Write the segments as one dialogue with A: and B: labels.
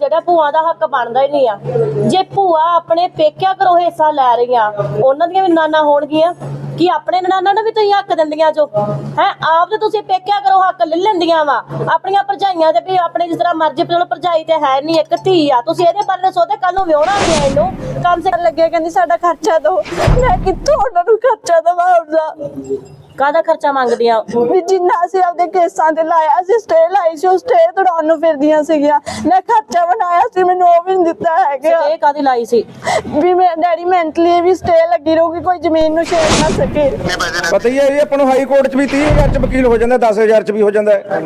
A: ਜਿਹੜਾ ਭੂਆ ਦਾ ਹੱਕ ਬਣਦਾ ਹੀ ਨਹੀਂ ਆ। ਜੇ ਭੂਆ ਆਪਣੇ ਪੇਕਿਆਂ ਘਰੋਂ ਹਿੱਸਾ ਲੈ ਰਹੀਆਂ, ਉਹਨਾਂ ਦੀਆਂ ਵੀ ਨਾਨਾ ਹੋਣਗੀਆਂ ਕਿ ਆਪਣੇ ਨਨਾਨਾ ਨੂੰ ਵੀ ਤੁਸੀਂ ਹੱਕ ਦਿੰਦੀਆਂ ਜੋ ਹੈ। ਆਪ ਤੇ ਤੁਸੀਂ ਪੇਕਿਆ ਕਰੋ ਹੱਕ ਲੈ ਲੈਂਦੀਆਂ ਵਾ ਆਪਣੀਆਂ ਭਰਜਾਈਆਂ ਦੇ ਵੀ ਆਪਣੇ ਜਿਸ ਤਰ੍ਹਾਂ ਮਰਜ਼ੀ। ਚਲੋ ਭਰਜਾਈ ਤੇ ਹੈ ਨਹੀਂ, ਇੱਕ ਧੀ ਆ, ਤੁਸੀਂ ਇਹਦੇ ਬਾਰੇ ਸੋਚਦੇ ਕੱਲ ਨੂੰ ਵਿਆਹਣਾ ਵੀ ਇਹਨੂੰ ਕੰਮ ਸੇ
B: ਲੱਗਿਆ ਕਹਿੰਦੀ ਸਾਡਾ ਖਰਚਾ ਦੋ। ਮੈਂ ਕਿੱਥੋਂ ਉਹਨਾਂ ਨੂੰ ਖਰਚਾ ਦਵਾਂ? ਆਪਦਾ
A: ਕਾਹਦਾ ਖਰਚਾ ਮੰਗਦੀਆਂ?
B: ਵੀ ਜਿੰਨਾ ਅਸੀਂ ਆਪਦੇ ਕੇਸਾਂ ਤੇ ਲਾਇਆ ਸੀ, ਸਟੇ ਲਾਈ ਸੀ, ਉਹ ਸਟੇ ਤੁੜਾਉਣ ਨੂੰ ਫਿਰਦੀਆਂ ਸੀਗੀਆਂ। ਮੈਂ ਖਰਚਾ ਬਣਾਇਆ ਸੀ, ਮੈਨੂੰ ਉਹ ਵੀ ਨਹੀਂ ਦਿੱਤਾ ਹੈਗਾ।
A: ਇਹ ਕਾਹਦੀ ਲਾਈ ਸੀ?
B: ਵੀ ਮੇਰੇ ਡੈਡੀ ਮੈਂਟਲੀ ਵੀ ਸਟੇ ਲੱਗੀ ਰਹੂਗੀ, ਕੋਈ ਜ਼ਮੀਨ ਨੂੰ ਛੇੜ ਨਾ ਸਕੇ।
C: ਪਤਾ ਹੀ ਹੈ ਜੀ ਆਪਾਂ ਨੂੰ ਹਾਈ ਕੋਰਟ 'ਚ ਵੀ 30,000 'ਚ ਵਕੀਲ ਹੋ ਜਾਂਦਾ, 10,000 'ਚ ਵੀ ਹੋ ਜਾਂਦਾ ਹੈ।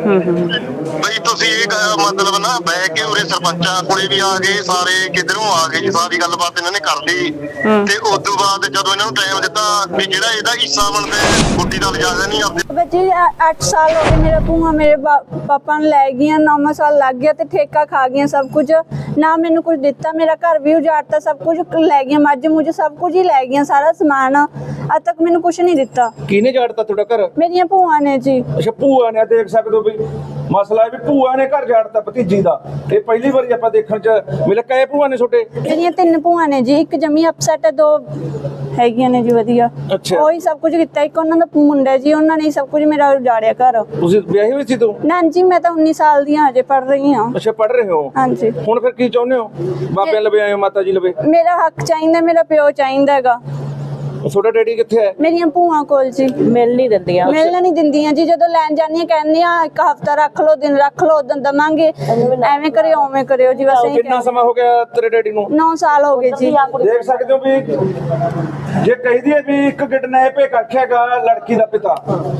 D: ਬਈ ਤੁਸੀਂ ਇਹ ਮਤਲਬ ਨਾ ਬਹਿ ਕੇ ਉਰੇ ਸਰਪੰਚਾਂ ਕੋਲੇ ਵੀ ਆ ਗਏ, ਸਾਰੇ ਕਿਧਰੋਂ ਆ ਗਏ ਜੀ, ਸਾਰੀ ਗੱਲਬਾਤ ਇਹਨਾਂ ਨੇ ਕਰ ਲਈ। ਤੇ ਉਸ ਤੋਂ ਬਾਅਦ ਜਦੋਂ ਇਹਨਾਂ ਨੂੰ ਟਾਈਮ ਦਿੱਤਾ ਵੀ ਜਿਹੜਾ ਇਹਦਾ ਹਿੱਸਾ ਬਣਦਾ ਗੁੱਡੀ ਦਾ ਲਿਜਾਜ਼ਾ ਨਹੀਂ ਆਪਦੇ।
B: ਬੱਚੀ 8 ਸਾਲ ਹੋ ਗਏ ਮੇਰਾ ਭੂਆ ਮੇਰੇ ਪਾਪਾ ਨੂੰ ਲੈ ਗਈਆਂ, 9 ਸਾਲ ਲੱਗ ਗਿਆ ਤੇ ਠੇਕਾ ਖਾ ਗਈਆਂ ਸਭ ਕੁਝ। ਨਾ ਮੈਨੂੰ ਕੁਝ ਦਿੱਤਾ, ਮੇਰਾ ਘਰ ਵੀ ਉਜਾੜਤਾ, ਸਭ ਕੁਝ ਲੈ ਗਈਆਂ, ਮੱਝ ਮੁਝ ਸਭ ਕੁਝ ਹੀ ਲੈ ਗਈਆਂ, ਸਾਰਾ ਸਮਾਨ। ਅੱਜ ਤੱਕ ਮੈਨੂੰ ਕੁਝ ਨਹੀਂ ਦਿੱਤਾ।
C: ਕਿਹਨੇ ਝਾੜਤਾ ਤੁਹਾਡਾ ਘਰ?
B: ਮੇਰੀਆਂ ਭੂਆ ਨੇ ਜੀ।
C: ਅੱਛਾ, ਭੂਆ ਨੇ। ਦੇਖ ਸਕਦੇ ਹੋ ਵੀ ਮਸਲਾ ਵੀ ਭੂਆ ਨੇ ਘਰ ਝਾੜਤਾ ਭਤੀਜੀ ਦਾ। ਇਹ ਪਹਿਲੀ ਵਾਰੀ ਆਪਾਂ ਦੇਖਣ 'ਚ ਮਿਲਿਆ। ਕਹੇ ਭੂਆ ਨੇ ਛੋਟੇ?
B: ਮੇਰੀਆਂ 3 ਭੂਆ ਨੇ ਜੀ, ਇੱਕ ਜਮੀ ਅਪਸੈਟ ਹੈ, 2 ਹੈਗੀਆਂ ਨੇ ਜੀ ਵਧੀਆ।
C: ਅੱਛਾ,
B: ਉਹੀ ਸਭ ਕੁਝ ਕੀਤਾ। ਇੱਕ ਉਹਨਾਂ ਦਾ ਮੁੰਡਾ ਜੀ, ਉਹਨਾਂ ਨੇ ਸਭ ਕੁਝ ਮੇਰਾ ਉਜਾੜਿਆ ਘਰ।
C: ਤੁਸੀਂ ਵਿਆਹੀ ਹੋਈ ਸੀ ਤੂੰ?
B: ਨਾ ਜੀ, ਮੈਂ ਤਾਂ 19 ਸਾਲ ਦੀ ਹਾਂ, ਹਜੇ ਪੜ ਰਹੀ ਹਾਂ।
C: ਅੱਛਾ, ਪੜ ਰਹੇ ਹੋ?
B: ਹਾਂਜੀ।
C: ਹੁਣ ਫਿਰ ਕੀ ਚਾਹੁੰਦੇ ਹੋ? ਬਾਬਿਆਂ ਲਵੇ ਆਏ ਹੋ, ਮਾਤਾ ਜੀ ਲਵੇ?
B: ਮੇਰਾ ਹੱਕ ਚਾਹੀਦਾ, ਮੇਰਾ ਪਿਓ ਚਾਹੀਦਾ ਹੈਗਾ।
C: ਤੁਹਾਡਾ ਡੈਡੀ ਕਿੱਥੇ ਹੈ?
B: ਮੇਰੀਆਂ ਭੂਆ ਕੋਲ ਜੀ।
A: ਮਿਲ ਨਹੀਂ ਦਿੰਦੀਆਂ?
B: ਮਿਲਣ ਨਹੀਂ ਦਿੰਦੀਆਂ ਜੀ। ਜਦੋਂ ਲੈਣ ਜਾਂਦੀਆਂ ਕਹਿੰਦੀਆਂ ਇੱਕ ਹਫਤਾ ਰੱਖ ਲਓ, ਦਿਨ ਰੱਖ ਲਓ, ਉਦੋਂ ਦਵਾਂਗੇ। ਐਵੇਂ ਕਰਿਓ ਉਵੇਂ ਕਰਿਓ ਜੀ, ਬਸ।
C: ਕਿੰਨਾ ਸਮਾਂ ਹੋ ਗਿਆ ਤੇਰੇ ਡੈਡੀ ਨੂੰ?
B: 9 ਸਾਲ ਹੋ ਗਏ ਜੀ।
C: ਦੇਖ ਸਕਦੇ ਹੋ ਵੀ ਜੇ ਕਹਿੰਦੀ ਹੈ ਵੀ ਇੱਕ ਕਿਡਨੈਪ ਰੱਖਿਆਗਾ ਲੜਕੀ ਦਾ ਪਿਤਾ।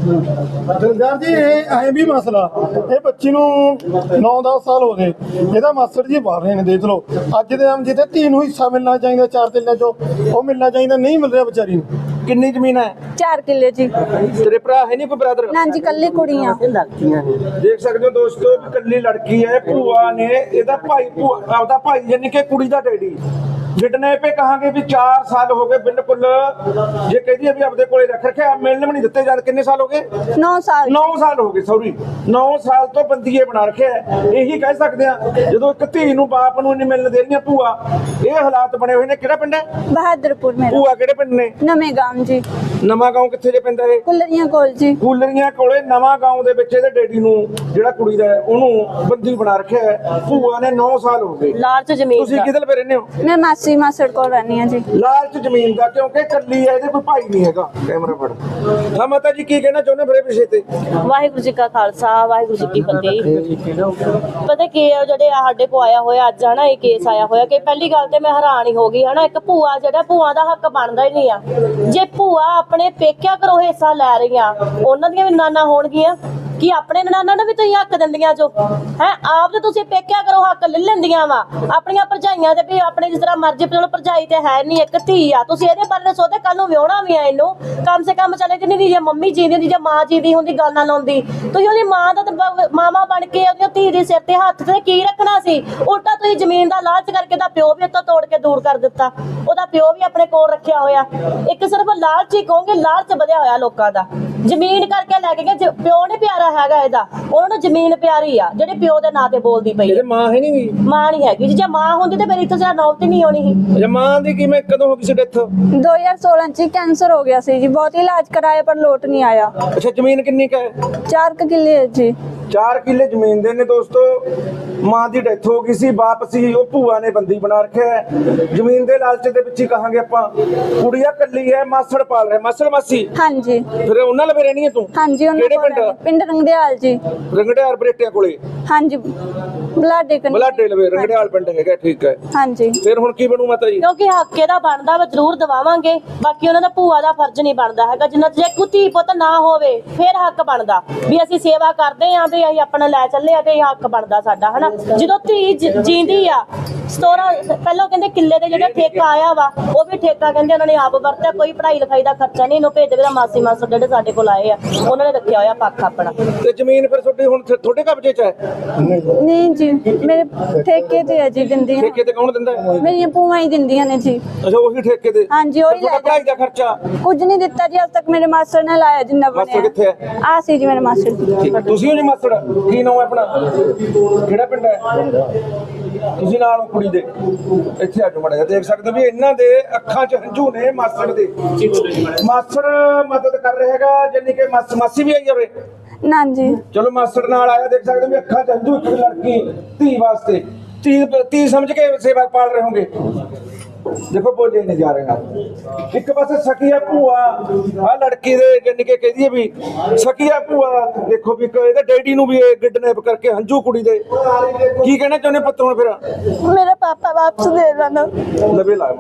E: ਜਲਦਾਰ ਜੀ ਇਹ ਐ ਵੀ ਮਸਲਾ, ਇਹ ਬੱਚੀ ਨੂੰ 9-10 ਸਾਲ ਹੋ ਗਏ, ਇਹਦਾ ਮਾਸਟਰ ਜੀ ਬਾਹਰ ਰਹੇ ਨੇ। ਦੇਖ ਲਓ ਅੱਜ ਦੇ ਆਮ ਜਿੱਥੇ ਧੀ ਨੂੰ ਹਿੱਸਾ ਮਿਲਣਾ ਚਾਹੀਦਾ 4 ਕਿੱਲਿਆਂ ਚੋਂ, ਉਹ ਮਿਲਣਾ ਚਾਹੀਦਾ, ਨਹੀਂ ਮਿਲ ਰਿਹਾ ਵਿਚਾਰੀ ਨੂੰ।
C: ਕਿੰਨੀ ਜ਼ਮੀਨ ਹੈ?
B: 4 ਕਿੱਲੇ ਜੀ।
C: ਤੇਰੇ ਭਰਾ ਹੈ ਨਹੀਂ ਕੋਈ ਬ੍ਰਦਰ?
B: ਨਾ ਜੀ, ਕੱਲੀ ਕੁੜੀਆਂ।
C: ਦੇਖ ਸਕਦੇ ਹੋ ਦੋਸਤੋ ਵੀ ਕੱਲੀ ਲੜਕੀ ਹੈ। ਭੂਆ ਨੇ ਇਹਦਾ ਭਾਈ, ਆਪਦਾ ਭਾਈ ਯਾਨੀ ਕਿ ਕੁੜੀ ਦਾ ਡੈਡੀ ਕਿਡਨੈਪ ਕਹਾਂਗੇ ਵੀ 4 ਸਾਲ ਹੋ ਗਏ ਬਿਲਕੁਲ। ਜੇ ਕਹਿੰਦੀ ਹੈ ਵੀ ਆਪਦੇ ਕੋਲੇ ਰੱਖ ਰੱਖਿਆ, ਮਿਲਣ ਵੀ ਨਹੀਂ ਦਿੱਤੇ। ਜਦ ਕਿੰਨੇ ਸਾਲ ਹੋ ਗਏ?
B: 9 ਸਾਲ।
C: 9 ਸਾਲ ਹੋ ਗਏ, ਸੌਰੀ 9 ਸਾਲ ਤੋਂ ਬੰਦੀਏ ਬਣਾ ਰੱਖਿਆ। ਇਹੀ ਕਹਿ ਸਕਦੇ ਆ ਜਦੋਂ ਇੱਕ ਧੀ ਨੂੰ ਬਾਪ ਨੂੰ ਨਹੀਂ ਮਿਲਣ ਦੇ ਰਹੀਆਂ ਭੂਆ। ਇਹ ਹਾਲਾਤ ਬਣੇ ਹੋਏ ਨੇ। ਕਿਹੜਾ ਪਿੰਡ ਹੈ?
B: ਬਹਾਦਰਪੁਰ ਮੇਰਾ।
C: ਭੂਆ ਕਿਹੜੇ ਪਿੰਡ ਨੇ?
B: ਨਵੇਂ ਗਾਮ ਜੀ।
C: ਨਵਾਂ ਗਾਉਂ ਕਿੱਥੇ ਜੇ ਪੈਂਦਾ ਇਹ?
B: ਕੁਲਰੀਆਂ ਕੋਲ ਜੀ।
C: ਕੂਲਰੀਆਂ ਕੋਲੇ ਨਵਾਂ ਗਾਉਂ ਦੇ ਵਿੱਚ ਇਹਦੇ ਡੈਡੀ ਨੂੰ, ਜਿਹੜਾ ਕੁੜੀ ਦਾ ਉਹਨੂੰ ਬੰਦੀ ਬਣਾ ਰੱਖਿਆ ਹੈ। ਭੂਆ ਨੇ 9 ਸਾਲ ਹੋ ਗਏ।
A: ਲਾਲਚ ਜ਼ਮੀਨ
C: ਤੁਸੀਂ ਕਿਹਦੇ ਲਵੇ ਰਹਿੰਦੇ ਹੋ?
B: ਮੈਂ ਮਾਸੀ ਮਾਸੜ ਕੋਲ ਰਹਿੰਦੀ ਹਾਂ ਜੀ।
C: ਲਾਲਚ ਜ਼ਮੀਨ ਦਾ, ਕਿਉਂਕਿ ਕੱਲੀ ਹੈ, ਇਹਦੇ ਕੋਈ ਭਾਈ ਨਹੀਂ ਹੈਗਾ। ਕੈਮਰਾ ਫੜ। ਹਾਂ ਮਾਤਾ ਜੀ, ਕੀ ਕਹਿਣਾ ਚਾਹੁੰਦੇ ਮੇਰੇ ਵਿਸ਼ੇ ਤੇ?
A: ਵਾਹਿਗੁਰੂ ਜੀ ਕਾ ਖਾਲਸਾ, ਵਾਹਿਗੁਰੂ ਜੀ ਕੀ ਫਤਿਹ। ਪਤਾ ਕੀ ਹੈ, ਜਿਹੜੇ ਸਾਡੇ ਕੋ ਆਇਆ ਹੋਇਆ ਅੱਜ ਹਨਾ, ਇਹ ਕੇਸ ਆਇਆ ਹੋਇਆ ਕਿ ਪਹਿਲੀ ਗੱਲ ਤੇ ਮੈਂ ਹੈਰਾਨ ਹੀ ਹੋ ਗਈ ਹਨਾ। ਇੱਕ ਭੂਆ, ਜਿਹੜਾ ਭੂਆ ਦਾ ਹੱਕ ਬਣਦਾ ਹੀ ਨਹੀਂ ਆ। ਜੇ ਭੂਆ ਆਪਣੇ ਪੇਕਿਆਂ ਘਰੋਂ ਹਿੱਸਾ ਲੈ ਰਹੀਆਂ, ਉਹਨਾਂ ਦੀਆਂ ਵੀ ਨਾਨਾ ਹੋਣਗੀਆਂ ਕਿ ਆਪਣੇ ਨਨਾਨਾ ਨੂੰ ਵੀ ਤੁਸੀਂ ਹੱਕ ਦਿੰਦੀਆਂ ਜੋ ਹੈ। ਆਪ ਤੇ ਤੁਸੀਂ ਪੇਕਿਆ ਕਰੋ ਹੱਕ ਲੈ ਲੈਂਦੀਆਂ ਵਾ ਆਪਣੀਆਂ ਭਰਜਾਈਆਂ ਦੇ ਵੀ ਆਪਣੇ ਜਿਸ ਤਰ੍ਹਾਂ ਮਰਜ਼ੀ। ਚਲੋ ਭਰਜਾਈ ਤੇ ਹੈ ਨਹੀਂ, ਇੱਕ ਧੀ ਆ, ਤੁਸੀਂ ਇਹਦੇ ਬਾਰੇ ਸੋਚਦੇ ਕੱਲ ਨੂੰ ਵਿਆਹਣਾ ਵੀ ਆ ਇਹਨੂੰ ਕਮ ਸੇ ਕਮ। ਚਲੇ ਜਿੰਨੀ ਦੀ ਜੇ ਮੰਮੀ ਜੀਂਦੀ ਹੁੰਦੀ, ਜੇ ਮਾਂ ਜੀਂਦੀ ਹੁੰਦੀ, ਗੱਲ ਨਾ ਲਾਉਂਦੀ। ਤੁਸੀਂ ਉਹਦੀ ਮਾਂ ਦਾ ਮਾਮਾ ਬਣ ਕੇ ਉਹਦੀ ਧੀ ਦੇ ਸਿਰ ਤੇ ਹੱਥ ਤੇ ਕੀ ਰੱਖਣਾ ਸੀ? ਉਲਟਾ ਤੁਸੀਂ ਜ਼ਮੀਨ ਦਾ ਲਾਲਚ ਕਰਕੇ ਦਾ ਪਿਓ ਵੀ ਉੱਤੋਂ ਤੋੜ ਕੇ ਦੂਰ ਕਰ ਦਿੱਤਾ। ਉਹਦਾ ਪਿਓ ਵੀ ਆਪਣੇ ਕੋਲ ਰੱਖਿਆ ਹੋਇਆ। ਇੱਕ ਸਿਰਫ ਲਾਲਚ ਹੀ ਕਹੋਗੇ, ਲਾਲਚ ਵਧਿਆ ਹੋਇਆ ਲੋਕਾਂ ਦਾ। ਜ਼ਮੀਨ ਕਰਕੇ ਲੈ ਕੇ ਗਏ। ਪਿਓ ਨੀ ਪਿਆਰਾ ਹੈਗਾ ਇਹਦਾ, ਉਹਨਾਂ ਨੂੰ ਜ਼ਮੀਨ ਪਿਆਰੀ ਆ ਜਿਹੜੇ ਪਿਓ ਦੇ ਨਾਂ ਤੇ ਬੋਲਦੀ ਪਈ।
C: ਇਹਦੇ ਮਾਂ ਹੈ ਨਹੀਂ?
A: ਮਾਂ ਨਹੀਂ ਹੈਗੀ। ਜੇ ਮਾਂ ਹੁੰਦੀ ਤੇ ਮੇਰੀ ਇੱਥੇ ਸਾਡਾ ਨੌਬਤ ਹੀ ਨਹੀਂ ਆਉਣੀ ਸੀ।
C: ਅੱਛਾ, ਮਾਂ ਦੀ ਕਿਵੇਂ, ਕਦੋਂ ਹੋ ਗਈ ਸੀ ਡੈਥ?
B: 2016 ਚ ਕੈਂਸਰ ਹੋ ਗਿਆ ਸੀ ਜੀ। ਬਹੁਤ ਇਲਾਜ ਕਰਾਇਆ ਪਰ ਲੋਟ ਨਹੀਂ ਆਇਆ।
C: ਅੱਛਾ, ਜ਼ਮੀਨ ਕਿੰਨੀ ਕੁ ਹੈ?
B: 4 ਕਿੱਲੇ ਹੈ ਜੀ।
C: 4 ਕਿੱਲੇ ਜ਼ਮੀਨ ਦੇ ਨੇ ਦੋਸਤੋ। ਮਾਂ ਦੀ ਡੈਥ ਹੋ ਗਈ ਸੀ, ਬਾਪ ਸੀ, ਉਹ ਭੂਆ ਨੇ ਬੰਦੀ ਬਣਾ ਰੱਖਿਆ ਹੈ। ਜ਼ਮੀਨ ਦੇ ਲਾਲਚ ਦੇ ਵਿੱਚ ਹੀ ਕਹਾਂਗੇ ਆਪਾਂ। ਕੁੜੀਆ ਕੱਲੀ ਹੈ, ਮਾਸੜ ਪਾਲ ਰਿਹਾ। ਮਾਸੜ ਮਾਸੀ?
B: ਹਾਂਜੀ।
C: ਫਿਰ ਉਹਨਾਂ ਲਵੇ ਰਹਿਣੀ ਹੈ ਤੂੰ?
B: ਹਾਂਜੀ।
C: ਕਿਹੜੇ ਪਿੰਡ?
B: ਪਿੰਡ ਰੰਗਦਿਆਲ ਜੀ।
C: ਰੰਗੜਿਆਲ ਬਰੇਟਿਆਂ ਕੋਲੇ?
B: ਹਾਂਜੀ, ਬਲਾਡੇ ਕਨ।
C: ਬਲਾਡੇ ਲਵੇ ਰੰਗੜਿਆਲ ਪਿੰਡ ਹੈਗਾ। ਠੀਕ ਹੈ।
B: ਹਾਂਜੀ।
C: ਫਿਰ ਹੁਣ ਕੀ ਬਣੂ ਮਾਤਾ ਜੀ?
A: ਕਿਉਂਕਿ ਹੱਕ ਇਹਦਾ ਬਣਦਾ ਵਾ, ਜ਼ਰੂਰ ਦਵਾਵਾਂਗੇ। ਬਾਕੀ ਉਹਨਾਂ ਦਾ ਭੂਆ ਦਾ ਫਰਜ਼ ਨਹੀਂ ਬਣਦਾ ਹੈਗਾ। ਜਿੰਨਾ ਜੇ ਕੋਈ ਧੀ ਪੁੱਤ ਨਾ ਹੋਵੇ ਫਿਰ ਹੱਕ ਬਣਦਾ ਵੀ ਅਸੀਂ ਸੇਵਾ ਕਰਦੇ ਆਂ, ਵੀ ਅਸੀਂ ਆਪਣਾ ਲੈ ਚੱਲੇ ਆ ਤੇ ਹੱਕ ਬਣਦਾ ਸਾਡਾ ਹਨਾ। ਜਦੋਂ ਧੀ ਜੀਂਦੀ ਆ, 17 ਪਹਿਲਾਂ ਕਹਿੰਦੇ ਕਿੱਲੇ ਦੇ ਜਿਹੜਾ ਠੇਕਾ ਆਇਆ ਵਾ ਉਹ ਵੀ ਠੇਕਾ ਕਹਿੰਦੇ ਉਹਨਾਂ ਨੇ ਆਪ ਵਰਤਿਆ, ਕੋਈ ਪੜ੍ਹਾਈ ਲਿਖਾਈ ਦਾ ਖਰਚਾ ਨਹੀਂ ਇਹਨੂੰ ਭੇਜਦੇ। ਦਾ ਮਾਸੀ ਮਾਸੜ ਜਿਹੜੇ ਸਾਡੇ ਕੋਲ ਆਏ ਆ ਉਹਨਾਂ ਨੇ ਰੱਖਿਆ ਹੋਇਆ ਪੱਖ ਆਪਣਾ।
C: ਤੇ ਜ਼ਮੀਨ ਫਿਰ ਤੁਹਾਡੀ ਹੁਣ ਤੁਹਾਡੇ ਕਬਜ਼ੇ 'ਚ ਹੈ?
B: ਨਹੀਂ ਜੀ, ਮੇਰੇ ਠੇਕੇ ਤੇ ਹੈ ਜੀ, ਦਿੰਦੀਆਂ
C: ਠੇਕੇ ਤੇ ਕੌਣ ਦਿੰਦਾ ਹੈ?
B: ਮੇਰੀਆਂ ਭੂਆ ਹੀ ਦਿੰਦੀਆਂ ਨੇ ਜੀ।
C: ਅੱਛਾ, ਉਹੀ ਠੇਕੇ ਤੇ?
B: ਹਾਂਜੀ, ਉਹੀ
C: ਤੁਹਾਡਾ
B: ਲੈ
C: ਪੜ੍ਹਾਈ ਦਾ ਖਰਚਾ
B: ਕੁਝ ਨਹੀਂ ਦਿੱਤਾ ਜੀ ਅੱਜ ਤੱਕ। ਮੇਰੇ ਮਾਸਟਰ ਨੇ ਲਾਇਆ ਜਿੰਨਾ
C: ਮਾਸਟਰ
B: ਬਣਿਆ।
C: ਕਿੱਥੇ ਹੈ?
B: ਆ ਸੀ ਜੀ ਮੇਰੇ ਮਾਸਟਰ ਜੀ।
C: ਠੀਕ, ਤੁਸੀਂ ਹੋ ਜੀ ਮਾਸੜ? ਕੀ ਨਾਮ ਹੈ ਆਪਣਾ? ਕਿਹੜਾ ਪਿੰਡ ਹੈ? ਤੁਸੀਂ ਨਾਲ ਹੋ ਕੁੜੀ ਦੇ? ਇੱਥੇ ਆ ਜਾਓ ਮਾੜਾ ਜਿਹਾ, ਦੇਖ ਸਕਦੇ ਹੋ ਵੀ ਇਹਨਾਂ ਦੇ ਅੱਖਾਂ 'ਚ ਹੰਝੂ ਨੇ ਮਾਸੜ ਦੇ। ਮਾਸੜ ਮਦਦ ਕਰ ਰਿਹਾ ਹੈਗਾ, ਜਾਨੀ ਕਿ ਮਾਸੀ ਵੀ ਆਈ ਹੋਵੇ।
B: ਨਾ ਜੀ,
C: ਚਲੋ ਮਾਸੜ ਨਾਲ ਆਇਆ, ਦੇਖ ਸਕਦੇ ਹੋ ਵੀ ਅੱਖਾਂ 'ਚ ਹੰਝੂ, ਇੱਕ ਲੜਕੀ ਧੀ ਵਾਸਤੇ ਧੀ ਸਮਝ ਕੇ ਸੇਵਾ ਪਾਲ ਰਹੇ ਹੋਗੇ। ਦੇਖੋ ਬੋਲੇ ਨਹੀਂ ਜਾ ਰਹੇ ਨਾਲ। ਇੱਕ ਪਾਸੇ ਸਕੀਆ ਭੂਆ ਆ ਲੜਕੀ ਦੇ ਜਾਨੀ ਕਿ ਕਹਦੀ ਵੀ ਸਕੀਆ ਭੂਆ, ਦੇਖੋ ਵੀ ਇਹਦੇ ਡੈਡੀ ਨੂੰ ਵੀ ਇਹ ਕਿਡਨੈਪ ਕਰਕੇ ਹੰਝੂ ਕੁੜੀ ਦੇ। ਕੀ ਕਹਿਣਾ ਚਾਹੁੰਦੇ ਪੁੱਤਰ ਹੁਣ ਫਿਰ?
B: ਮੇਰਾ ਪਾਪਾ ਵਾਪਸ ਦੇ ਦੇਣਾ।
C: ਲਵੇ ਲਾ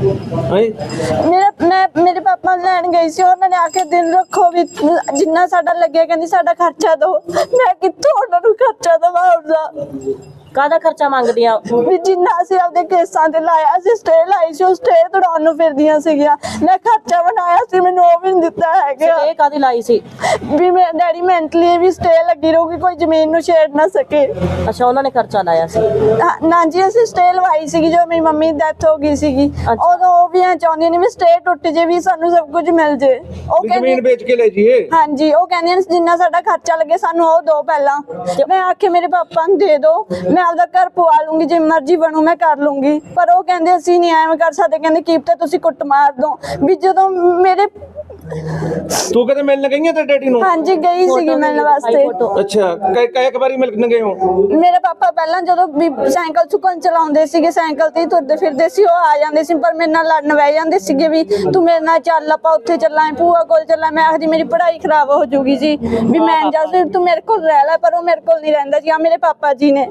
B: ਮੇਰੇ ਪਾਪਾ ਲੈਣ ਗਈ ਸੀ, ਉਹਨਾਂ ਨੇ ਆ ਕੇ ਦਿਨ ਰੱਖੋ ਵੀ ਜਿੰਨਾ ਸਾਡਾ ਲੱਗਿਆ, ਕਹਿੰਦੀ ਸਾਡਾ ਖਰਚਾ ਦੋ। ਮੈਂ ਕਿੱਥੋਂ ਉਹਨਾਂ ਨੂੰ ਖਰਚਾ ਦਵਾਂ ਉਸਦਾ?
A: ਕਾਹਦਾ ਖਰਚਾ ਮੰਗਦੀਆਂ?
B: ਵੀ ਜਿੰਨਾ ਅਸੀਂ ਆਪਦੇ ਕੇਸਾਂ ਤੇ ਲਾਇਆ, ਅਸੀਂ ਸਟੇ ਲਾਈ ਸੀ, ਉਹ ਸਟੇ ਤੁੜਾਉਣ ਨੂੰ ਫਿਰਦੀਆਂ ਸੀਗੀਆਂ। ਮੈਂ ਖਰਚਾ ਬਣਾਇਆ ਸੀ, ਮੈਨੂੰ ਉਹ ਵੀ ਨਹੀਂ ਦਿੱਤਾ ਹੈਗਾ।
A: ਇਹ ਕਾਹਦੀ ਲਾਈ ਸੀ?
B: ਵੀ ਮੇਰੇ ਡੈਡੀ ਮੈਂਟਲੀ ਵੀ ਸਟੇ ਲੱਗੀ ਰਹੂਗੀ, ਕੋਈ ਜ਼ਮੀਨ ਨੂੰ ਛੇੜ ਨਾ ਸਕੇ।
A: ਅੱਛਾ, ਉਹਨਾਂ ਨੇ ਖਰਚਾ ਲਾਇਆ ਸੀ?
B: ਨਾ ਜੀ, ਅਸੀਂ ਸਟੇ ਲਵਾਈ ਸੀਗੀ ਜਦੋਂ ਮੇਰੀ ਮੰਮੀ ਦੀ ਡੈਥ ਹੋ ਗਈ ਸੀਗੀ। ਉਦੋਂ ਉਹ ਵੀ ਐ ਚਾਹੁੰਦੀਆਂ ਨੇ ਵੀ ਸਟੇ ਟੁੱਟ ਜੇ, ਵੀ ਸਾਨੂੰ ਸਭ ਕੁਝ ਮਿਲ ਜੇ। ਉਹ
C: ਜ਼ਮੀਨ ਵੇਚ ਕੇ ਲੈ ਜੀਏ।
B: ਹਾਂਜੀ, ਉਹ ਕਹਿੰਦੀਆਂ ਨੇ ਜਿੰਨਾ ਸਾਡਾ ਖਰਚਾ ਲੱਗੇ ਸਾਨੂੰ ਉਹ ਦੋ ਪਹਿਲਾਂ। ਮੈਂ ਆਖੇ ਮੇਰੇ ਪਾਪਾ ਨੂੰ ਦੇ ਦੋ, ਮੈਂ ਆਪਦਾ ਘਰ ਪਵਾ ਲੂੰਗੀ, ਜੇ ਮਰਜ਼ੀ ਬਣੂ ਮੈਂ ਕਰ ਲੂੰਗੀ। ਪਰ ਉਹ ਕਹਿੰਦੇ ਅਸੀਂ ਨਹੀਂ ਐਵੇਂ ਕਰ ਸਕਦੇ, ਕਹਿੰਦੇ ਕੀਪ ਤੁਸੀਂ ਕੁੱਟ ਮਾਰ ਦੋ। ਵੀ ਜਦੋਂ ਮੇਰੇ
C: ਤੂੰ ਕਦੇ ਮਿਲਣ ਗਈ ਹੈ ਤੇ ਡੈਡੀ ਨੂੰ?
B: ਹਾਂਜੀ, ਗਈ ਸੀਗੀ ਮਿਲਣ ਵਾਸਤੇ।
C: ਅੱਛਾ, ਕਈ ਵਾਰੀ ਮਿਲਣ ਗਏ ਹੋ?
B: ਮੇਰੇ ਪਾਪਾ ਪਹਿਲਾਂ ਜਦੋਂ ਵੀ ਸਾਈਕਲ ਸੁਕਨ ਚਲਾਉਂਦੇ ਸੀਗੇ, ਸਾਈਕਲ ਤੇ ਹੀ ਤੁਰਦੇ ਫਿਰਦੇ ਸੀ, ਉਹ ਆ ਜਾਂਦੇ ਸੀ, ਪਰ ਮੇਰੇ ਨਾਲ ਲੜਨ ਬਹਿ ਜਾਂਦੇ ਸੀਗੇ ਵੀ ਤੂੰ ਮੇਰੇ ਨਾਲ ਚੱਲ, ਆਪਾਂ ਉੱਥੇ ਚੱਲਾਂ, ਭੂਆ ਕੋਲ ਚੱਲਾਂ। ਮੈਂ ਆਖਦੀ ਮੇਰੀ ਪੜ੍ਹਾਈ ਖਰਾਬ ਹੋ ਜੂਗੀ ਜੀ, ਵੀ ਮੈਂ ਜਾ ਤੂੰ ਮੇਰੇ ਕੋਲ ਰਹਿ ਲੈ, ਪਰ ਉਹ ਮੇਰੇ ਕੋਲ ਨਹੀਂ ਰਹਿੰਦਾ ਜੀ। ਆ ਮੇਰੇ ਪਾਪਾ ਜੀ ਨੇ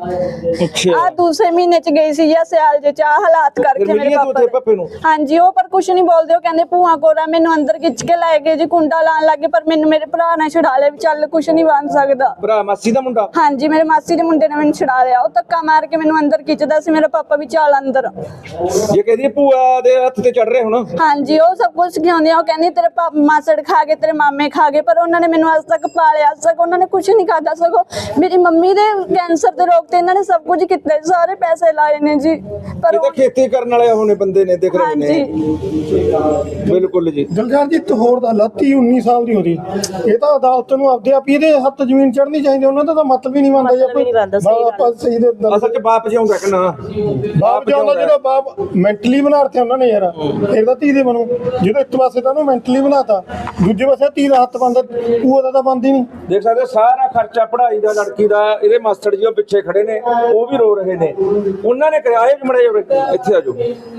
B: ਆ ਦੂਸਰੇ ਮਹੀਨੇ ਚ ਗਈ ਸੀ ਜਾਂ ਸਿਆਲ ਚ ਆ ਹਾਲਾਤ ਕਰਕੇ ਮੇਰੇ ਪਾਪਾ
C: ਨੂੰ।
B: ਹਾਂਜੀ, ਉਹ ਪਰ ਕੁਛ ਨਹੀਂ ਬੋਲਦੇ। ਉਹ ਕਹਿੰਦੇ ਭੂਆ ਕੋਲ ਆ, ਮੈਨੂੰ ਅੰਦਰ ਖਿੱਚ ਕੇ ਲੈ ਗਏ ਜੀ, ਕੁੰਡਾ ਲਾਣ ਲੱਗੇ, ਪਰ ਮੈਨੂੰ ਮੇਰੇ ਭਰਾ ਨੇ ਛੁਡਾ ਲਿਆ ਵੀ ਚੱਲ ਕੁਛ ਨਹੀਂ ਬਣ ਸਕਦਾ।
C: ਭਰਾ ਮਾਸੀ ਦਾ ਮੁੰਡਾ? ਹਾਂਜੀ,
B: ਮੇਰੇ ਮਾਸੀ ਦੇ ਮੁੰਡੇ ਨੇ ਮੈਨੂੰ ਛੁਡਾ ਲਿਆ। ਉਹ ਧੱਕਾ ਮਾਰ ਕੇ ਮੈਨੂੰ ਅੰਦਰ ਖਿੱਚਦਾ ਸੀ, ਮੇਰਾ ਪਾਪਾ ਵੀ ਚੱਲ ਅੰਦਰ।
C: ਇਹ ਕਹਿੰਦੀ ਭੂਆ ਦੇ ਹੱਥ ਤੇ ਚੜ ਰਹੇ ਹੁਣ?
B: ਹਾਂਜੀ, ਉਹ ਸਭ ਕੁਝ ਸਿਖਾਉਂਦੇ ਆ। ਉਹ ਕਹਿੰਦੀ ਤੇਰੇ ਮਾਸੜ ਖਾ ਗਏ, ਤੇਰੇ ਮਾਮੇ ਖਾ ਗਏ, ਪਰ ਉਹਨਾਂ ਨੇ ਮੈਨੂੰ ਅੱਜ ਤੱਕ ਪਾਲਿਆ, ਅੱਜ ਤੱਕ ਉਹਨਾਂ ਨੇ ਕੁਝ ਨਹੀਂ ਖਾਦਾ। ਸਗੋਂ ਮੇਰੀ ਮੰਮੀ ਦੇ ਕੈਂਸਰ ਦੇ ਰੋਗ ਤੇ ਇਹਨਾਂ ਨੇ ਸਭ ਕੁਝ ਕੀਤਾ, ਸਾਰੇ ਪੈਸੇ ਲਾਏ ਨੇ ਜੀ। ਪਰ
C: ਇਹ ਤਾਂ ਖੇਤੀ ਕਰਨ ਵਾਲੇ ਹੋਣੇ ਬੰਦੇ ਨੇ, ਦੇਖ ਰਹੇ ਨੇ।
B: ਹਾਂਜੀ,
C: ਬਿਲਕੁਲ ਜੀ।
E: ਜਲਜਾਰ ਜੀ, ਹੋਰ ਦਾ ਲੱਤੀ 19 ਸਾਲ ਦੀ ਉਹਦੀ, ਇਹ ਤਾਂ ਅਦਾਲਤ ਨੂੰ ਆਪਦੇ ਆਪ ਹੀ ਇਹਦੇ ਹੱਥ ਜ਼ਮੀਨ ਚੜ੍ਹਨੀ ਚਾਹੀਦੀ। ਉਹਨਾਂ ਦਾ ਤਾਂ ਮਤਲਬ ਹੀ ਨਹੀਂ ਬਣਦਾ ਜੀ। ਆਪਾਂ ਸਹੀ ਦੇ
C: ਅਸਲ ਚ ਬਾਪ ਜਿਉਂਦਾ ਕਿ ਨਾ?
E: ਬਾਪ ਜਿਉਂਦਾ, ਜਿਹੜਾ ਬਾਪ ਮੈਂਟਲੀ ਬਣਾਤੇ ਉਹਨਾਂ ਨੇ ਯਾਰ, ਫਿਰ ਤਾਂ ਧੀ ਦੇ ਬਣੂ। ਜਦੋਂ ਇੱਕ ਪਾਸੇ ਤਾਂ ਉਹਨੂੰ ਮੈਂਟਲੀ ਬਣਾਤਾ, ਦੂਜੇ ਪਾਸੇ ਧੀ ਦਾ ਹੱਥ ਬਣਦਾ, ਉਹ ਦਾ ਤਾਂ ਬਣਦੀ ਨਹੀਂ।
C: ਦੇਖ ਸਕਦੇ ਹੋ ਸਾਰਾ ਖਰਚਾ ਪੜ੍ਹਾਈ ਦਾ ਲੜਕੀ ਦਾ। ਇਹਦੇ ਮਾਸਟਰ ਜੀ ਉਹ ਪਿੱਛੇ ਖੜੇ ਨੇ, ਉਹ ਵੀ ਰੋ ਰਹੇ ਨੇ। ਉਹਨਾਂ ਨੇ ਕਿਹਾ ਇਹ ਮੜੇ ਇੱਥੇ ਆ ਜਾਓ।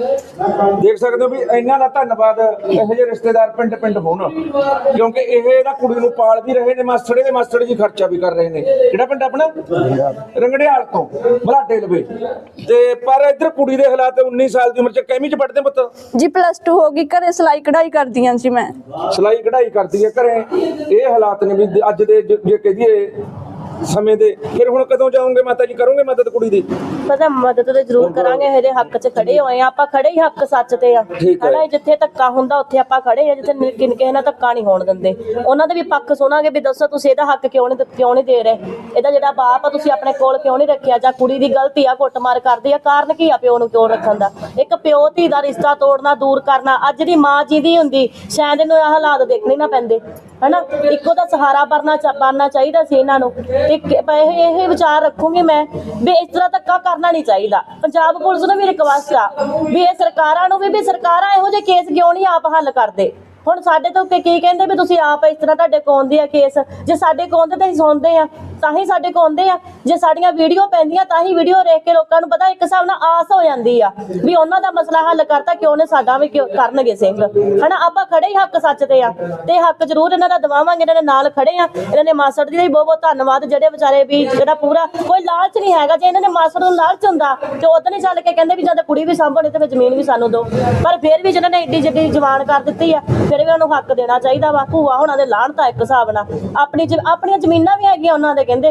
C: ਦੇਖ ਸਕਦੇ ਹੋ ਵੀ ਇਹਨਾਂ ਦਾ ਧੰਨਵਾਦ ਇਹੋ ਜਿਹੇ ਰਿਸ਼ਤੇਦਾਰ ਪਿੰਡ ਪਿੰਡ ਹੋਣ, ਕਿਉਂਕਿ ਇਹ ਇਹਦਾ ਕੁੜੀ ਨੂੰ ਪਾਲ ਵੀ ਰਹੇ ਨੇ। ਮਾਸਟਰ ਦੇ ਮਾਸਟਰ ਜੀ ਖਰਚਾ ਵੀ ਕਰ ਰਹੇ ਨੇ। ਕਿਹੜਾ ਪਿੰਡ ਆਪਣਾ? ਰੰਗੜਿਆਲ ਤੋਂ ਬਲਾਡੇ ਲਵੇ। ਤੇ ਪਰ ਇੱਧਰ ਕੁੜੀ ਦੇ ਹਾਲਾਤ 19 ਸਾਲ ਦੀ ਉਮਰ ਚ ਕਿੰਨੀ ਚ ਪੜਦੇ ਪੁੱਤ?
B: ਜੀ +2 ਹੋ ਗਈ, ਘਰੇ ਸਿਲਾਈ ਕਢਾਈ ਕਰਦੀਆਂ ਸੀ ਮੈਂ।
C: ਸਿਲਾਈ ਕਢਾਈ ਕਰਦੀ ਹੈ ਘਰੇ। ਇਹ ਹਾਲਾਤ ਨੇ ਵੀ ਅੱਜ ਦੇ ਜੇ ਕਹਦੀਏ ਸਮੇਂ ਦੇ। ਫਿਰ ਹੁਣ ਕਦੋਂ ਜਾਓਗੇ ਮਾਤਾ ਜੀ, ਕਰੋਗੇ ਮਦਦ ਕੁੜੀ ਦੀ?
A: ਪਤਾ ਮਦਦ ਤੇ ਜ਼ਰੂਰ ਕਰਾਂਗੇ, ਇਹਦੇ ਹੱਕ 'ਚ ਖੜੇ ਹੋਏ ਆ ਆਪਾਂ, ਖੜੇ ਹੀ ਹੱਕ ਸੱਚ ਤੇ ਆ। ਹਨਾ, ਜਿੱਥੇ ਧੱਕਾ ਹੁੰਦਾ ਉੱਥੇ ਆਪਾਂ ਖੜੇ ਆ, ਜਿੱਥੇ ਕਿਸੇ ਨਾਲ ਧੱਕਾ ਨਹੀਂ ਹੋਣ ਦਿੰਦੇ। ਉਹਨਾਂ ਦੇ ਵੀ ਪੱਖ ਸੁਣਾਂਗੇ ਵੀ ਦੱਸੋ ਤੁਸੀਂ ਇਹਦਾ ਹੱਕ ਕਿਉਂ ਨਹੀਂ ਦੇ ਰਹੇ, ਇਹਦਾ ਜਿਹੜਾ ਬਾਪ ਆ ਤੁਸੀਂ ਆਪਣੇ ਕੋਲ ਕਿਉਂ ਨਹੀਂ ਰੱਖਿਆ, ਜਾਂ ਕੁੜੀ ਦੀ ਗਲਤੀ ਆ ਕੁੱਟਮਾਰ ਕਰਦੀ ਆ, ਕਾਰਨ ਕੀ ਆ ਪਿਓ ਨੂੰ ਕਿਉਂ ਰੱਖਣ ਦਾ? ਇੱਕ ਪਿਓ ਧੀ ਦਾ ਰਿਸ਼ਤਾ ਤੋੜਨਾ, ਦੂਰ ਕਰਨਾ। ਅੱਜ ਦੀ ਮਾਂ ਜਿਹਦੀ ਹੁੰਦੀ ਸ਼ਾਇਦ ਇਹਨੂੰ ਇਹ ਹਾਲਾਤ ਦੇਖਣੇ ਨਾ ਪੈਂਦੇ, ਹਨਾ। ਇੱਕੋ ਦਾ ਸਹਾਰਾ ਬਣਨਾ ਚਾਹੀਦਾ ਸੀ ਇਹਨਾਂ ਨੂੰ। ਤੇ ਇਹ ਵਿਚਾਰ ਰੱਖੂਗੀ ਮੈਂ ਵੀ ਇਸ ਤਰ੍ਹਾਂ ਧੱਕਾ ਕਰਨਾ ਨਹੀਂ ਚਾਹੀਦਾ। ਪੰਜਾਬ ਪੁਲਿਸ ਨੂੰ ਵੀ ਰਿਕਵੈਸਟ ਆ ਵੀ ਇਹ ਸਰਕਾਰਾਂ ਨੂੰ ਵੀ ਸਰਕਾਰਾਂ ਇਹੋ ਜਿਹੇ ਕੇਸ ਕਿਉਂ ਨਹੀਂ ਆਪ ਹੱਲ ਕਰਦੇ। ਹੁਣ ਸਾਡੇ ਤੋਂ ਕੀ ਕਹਿੰਦੇ ਵੀ ਤੁਸੀਂ ਆਪ ਇਸ ਤਰ੍ਹਾਂ ਤੁਹਾਡੇ ਕੋਲ ਆਉਂਦੇ ਆ ਕੇਸ, ਜੇ ਸਾਡੇ ਕੋਲ ਆਉਂਦੇ ਤਾਂ ਅਸੀਂ ਸੁਣਦੇ ਆ, ਤਾਂ ਹੀ ਸਾਡੇ ਕੋਲ ਆਉਂਦੇ ਆ। ਜੇ ਸਾਡੀਆਂ ਵੀਡੀਓ ਪੈਂਦੀਆਂ ਤਾਂ ਹੀ ਵੀਡੀਓ ਦੇਖ ਕੇ ਲੋਕਾਂ ਨੂੰ ਪਤਾ, ਇੱਕ ਹਿਸਾਬ ਨਾਲ ਆਸ ਹੋ ਜਾਂਦੀ ਆ ਵੀ ਉਹਨਾਂ ਦਾ ਮਸਲਾ ਹੱਲ ਕਰਤਾ, ਕਿਉਂ ਨੇ ਸਾਡਾ ਵੀ ਕਿਉਂ ਕਰਨਗੇ ਸਿੰਘ, ਹਨਾ। ਆਪਾਂ ਖੜੇ ਹੀ ਹੱਕ ਸੱਚ ਤੇ ਆ, ਤੇ ਹੱਕ ਜ਼ਰੂਰ ਇਹਨਾਂ ਦਾ ਦਵਾਵਾਂਗੇ। ਇਹਨਾਂ ਦੇ ਨਾਲ ਖੜੇ ਆ। ਇਹਨਾਂ ਨੇ ਮਾਸੜ ਜੀ ਦਾ ਵੀ ਬਹੁਤ ਬਹੁਤ ਧੰਨਵਾਦ, ਜਿਹੜੇ ਵਿਚਾਰੇ ਵੀ ਜਿਹੜਾ ਪੂਰਾ ਕੋਈ ਲਾਲਚ ਨਹੀਂ ਹੈਗਾ। ਜੇ ਇਹਨਾਂ ਨੇ ਮਾਸੜ ਨੂੰ ਲਾਲਚ ਹੁੰਦਾ ਤੇ ਉਦੋਂ ਨਹੀਂ ਚੱਲ ਕੇ ਕਹਿੰਦੇ ਵੀ ਜਦ ਕੁੜੀ ਵੀ ਸਾਂਭਣੀ ਤੇ ਜ਼ਮੀਨ ਵੀ ਸਾਨੂੰ ਦਿਓ। ਪਰ ਫਿਰ ਵੀ ਜਿਹਨਾਂ ਨੇ ਏਡੀ ਜਿੱਡੀ ਜਵਾਨ ਕਰ ਦਿੱਤੀ ਆ, ਫਿਰ ਵੀ ਉਹਨੂੰ ਹੱਕ ਦੇਣਾ ਚਾਹੀਦਾ ਵਾ। ਭੂਆ ਹੋਣਾ ਦੇ ਲਾਹਣਤਾ ਇੱਕ ਹਿਸਾਬ ਨਾਲ, ਆਪਣੀਆਂ ਜ਼ਮੀਨਾਂ ਵੀ ਹੈਗੀਆਂ ਉਹਨਾਂ ਦੇ ਕਹਿੰਦੇ,